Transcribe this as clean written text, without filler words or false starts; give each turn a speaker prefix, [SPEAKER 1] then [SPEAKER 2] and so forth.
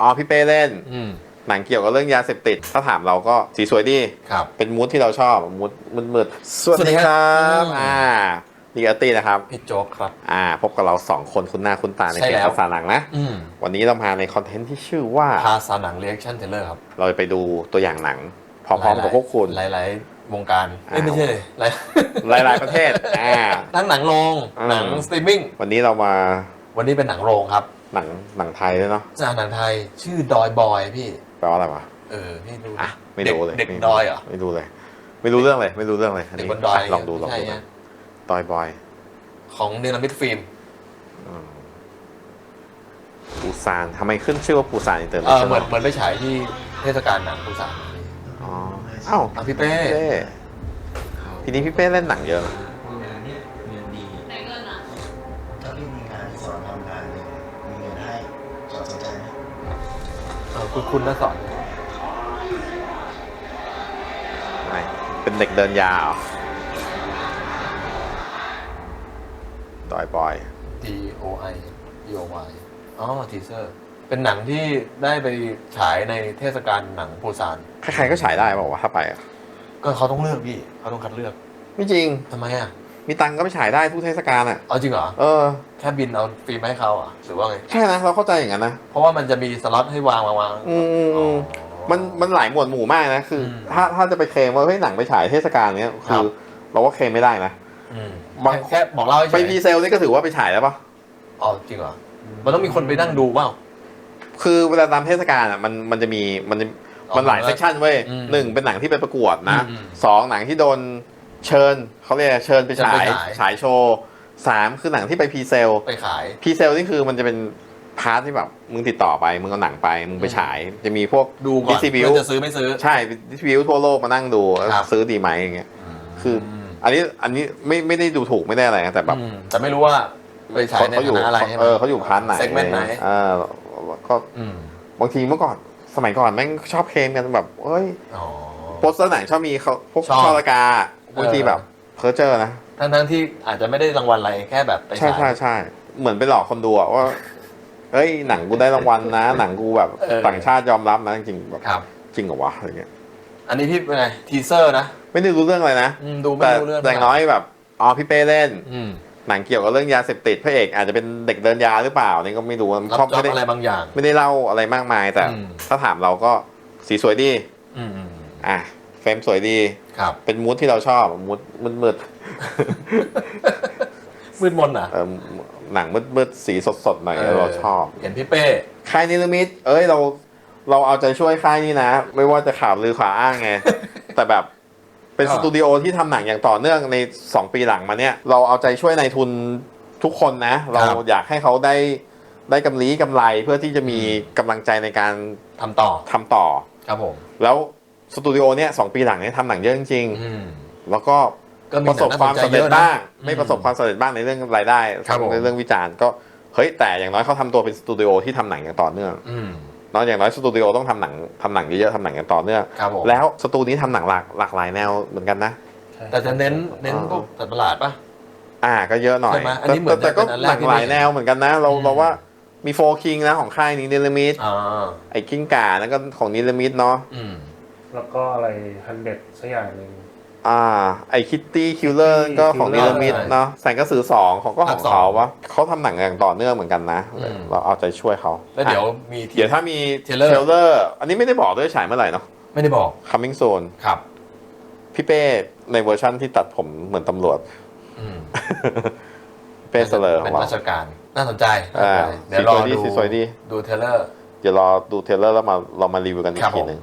[SPEAKER 1] อ๋อพี่เป้เล่นหนังเกี่ยวกับเรื่องยาเสพติดถ้าถามเราก็สีสวยดี
[SPEAKER 2] ครับ
[SPEAKER 1] เป็นมูดที่เราชอบมูดมืดสวัสดีครับดีอาร์ตี้นะครับ
[SPEAKER 2] พี่โจ๊กครับ
[SPEAKER 1] พบกับเรา2คนคุ้นหน้าคุ้นตาในเพจภาษาหนังนะวันนี้เรามาในคอนเทนต์ที่ชื่อว่า
[SPEAKER 2] ภาษาหนังเรีแอคชั่นเทเลอร์ครับ
[SPEAKER 1] เราจะไปดูตัวอย่างหนังพร้อมๆกับพวกคุณ
[SPEAKER 2] หลายๆวงการไม่ใช่
[SPEAKER 1] หลายประเทศ
[SPEAKER 2] ทั้งหนังโรงหนังสตรีมมิ่ง
[SPEAKER 1] วันนี้
[SPEAKER 2] เป็นหนังโรงครับ
[SPEAKER 1] หนังไทยด้วยเนาะ
[SPEAKER 2] หนังไทยชื่อดอยบอยพี่
[SPEAKER 1] แปลว่าอะไรวะ
[SPEAKER 2] พี่ดู
[SPEAKER 1] ไม่รู้เลย
[SPEAKER 2] เด็กดอยเหรอ
[SPEAKER 1] ไม่รู้เลยไม่รู้เรื่องเลย
[SPEAKER 2] เด็กบนดอย
[SPEAKER 1] ลองดูดอยบอย
[SPEAKER 2] ของเนรมิตฟิล์ม
[SPEAKER 1] ปูซานทำไมขึ้นชื่อว่าปูซานอินเตอร์เนชั่นแนล
[SPEAKER 2] เหมือนไปฉายที่เทศกาลหนังปูซาน
[SPEAKER 1] อ้าว
[SPEAKER 2] พี่เป้
[SPEAKER 1] ทีนี้พี่เป้เล่นหนังเยอะ
[SPEAKER 3] ถ้าพี่มีงานสอนทำงานเนี่ยมีเงินให้สนใจไหม
[SPEAKER 2] คุณน่าสอน
[SPEAKER 1] เป็นเด็กเดินยาเหรอดอยบอย
[SPEAKER 2] DOI DOY ทีเซอร์เป็นหนังที่ได้ไปฉายในเทศกาลหนังปูซาน
[SPEAKER 1] ใครๆก็ฉายได้บอกว่าถ้าไป
[SPEAKER 2] ก็เขาต้องเลือกพี่เขาต้องคัดเลือก
[SPEAKER 1] ไม่จริง
[SPEAKER 2] ทำไม
[SPEAKER 1] มีตังก็ไปฉายได้ทุกเทศกาล
[SPEAKER 2] จริงเหรอแค่บินเอาฟิล์มให้เขาหรือว่าไง
[SPEAKER 1] ใช่นะเราเข้าใจอย่างนั้นนะ
[SPEAKER 2] เพราะว่ามันจะมีสล็อตให้วาง
[SPEAKER 1] มันหลายหมวดหมู่มากนะคือถ้าจะไปเคลมว่าเฮ้ยหนังไปฉายเทศกาลเนี้ยคือเราก็เคลมไม่ได้นะ
[SPEAKER 2] แค่บอกเล่า
[SPEAKER 1] ไปพีเซลนี่ก็ถือว่าไปฉายแล้วปะ
[SPEAKER 2] จริงเหรอมันต้องมีคนไปนั่งดูเปล่า
[SPEAKER 1] คือเวลาตามเทศกาลมันจะมีมันหลายเซสชั่นเว้ย1เป็นหนังที่ไปประกวดนะ2หนังที่โดนเชิญเขาเรียกเชิญไปฉายโชว์3คือหนังที่ไปพรีเซล
[SPEAKER 2] ไปขาย
[SPEAKER 1] พรีเซลนี่คือมันจะเป็นพาร์ทที่แบบมึงติดต่อไปมึงเอาหนังไปมึงไปฉายจะมีพวก
[SPEAKER 2] ดูก่อนจะซื้อไม่ซื้อ
[SPEAKER 1] ใช่ดิสทริบิวทั่วโลกมานั่งดูซื้อดีไหมอย่างเงี้ยคืออันนี้ไม่ได้ดูถูกไม่ได้อะไรนะแต่แบบ
[SPEAKER 2] แต่ไม่รู้ว่าไปฉายในฐานะอะไร
[SPEAKER 1] เขาอยู่พาร์ทไหนก็บางทีเมื่อก่อนสมัยก่อนแม่งชอบเคลมกันแบบเฮ้ยโปสเตอร์ไหนชอบมีเขาพวกช่อละกาบางทีแบบเพอร์เจอร์นะ
[SPEAKER 2] ทั้งที่อาจจะไม่ได้รางวัลอะไรแค่แบบไปฉาย
[SPEAKER 1] ใช่เหมือนไปหลอกคนดูว่าเฮ้ยหนังกูได้รางวัลนะหนังกูแบบต่างชาติยอมรับนะจริงแบบจริงเหรอวะอะไรเงี้ย
[SPEAKER 2] อันนี้พี่เป็นไงทีเซอร์นะ
[SPEAKER 1] ไม่ได้รู้เรื่องอะไรนะ
[SPEAKER 2] ดูไม่รู้เรื่อง
[SPEAKER 1] แต่น้อยแบบพี่เป้เล่นหนังเกี่ยวกับเรื่องยาเสพติดพระเอกอาจจะเป็นเด็กเดินยาหรือเปล่านี่ก็ไม่รู้
[SPEAKER 2] ชอบอะไรบางอย่าง
[SPEAKER 1] ไม่ได้เล่าอะไรมากมายแต่ถ้าถามเราก็สีสวยดีเฟรมสวยดีเป็นมูดที่เราชอบมูดมืด
[SPEAKER 2] มน
[SPEAKER 1] หนังมืดสีสดหน่อยเราชอบ
[SPEAKER 2] เห็นพี่เป้
[SPEAKER 1] ค่ายนิรมิตเราเอาใจช่วยค่ายนี้นะไม่ว่าจะข่าวลือข่าวอ้างไงแต่แบบเป็นสตูดิโอที่ทำหนังอย่างต่อเนื่องใน2 ปีหลังมาเนี่ยเราเอาใจช่วยนายทุนทุกคนนะเราอยากให้เขาได้กำไรเพื่อที่จะมีกำลังใจในการ
[SPEAKER 2] ทำต่อครับผม
[SPEAKER 1] แล้วสตูดิโอเนี่ย2 ปีหลังเนี่ยทำหนังเยอะจริงๆแล้วก็ประสบความสำเร็จบ้างไม่ประสบความสำเร็จบ้างในเรื่องรายได้ในเรื่องวิจารณ์ก็เฮ้ยแต่อย่างน้อยเขาทำตัวเป็นสตูดิโอที่ทำหนังอย่างต่อเนื่องเนาะอย่างน้อยสตูดิโอต้องทำหนังเยอะๆทำหนังอย่างต่อเนื่องแล้วสตูนี้ทำหนังหลากหลายแนวเหมือนกันนะ
[SPEAKER 2] แต่จะเน้นพวกสัตว์ประหลาดป่ะ
[SPEAKER 1] ก็เยอะหน่อยแต่ก็หลากหลายแนวเหมือนกันนะเราว่ามีโฟคิงนะของค่ายนี้เนลมิดไอ้กิ้งก่านั่นก็ของเนลมิดเนาะ
[SPEAKER 4] แล้วก็อะไร100สักอย่างหนึ่ง
[SPEAKER 1] ไอคิตตี้คิลเลอร์ก็ของเนลมิดเนาะแสงกระสือ2ของเขาวะเขาทำหนังอย่างต่อเนื่องเหมือนกันนะเราเอาใจช่วยเขา
[SPEAKER 2] แล้วเดี๋ยว
[SPEAKER 1] ถ้ามีเทเลอร์อันนี้ไม่ได้บอกด้วยฉายเมื่อไหร่เนาะ
[SPEAKER 2] ไม่ได้บอก
[SPEAKER 1] coming soon
[SPEAKER 2] ครับ
[SPEAKER 1] พี่เป้ในเวอร์ชั่นที่ตัดผมเหมือนตำรวจเป้เสลอ
[SPEAKER 2] เป็นราชการน่าสนใจ
[SPEAKER 1] เดี๋ยวรอดู
[SPEAKER 2] เทเลอร์
[SPEAKER 1] เดี๋ยวรอดูเทเลอร์แล้วเรามารีวิวกันอีกทีนึง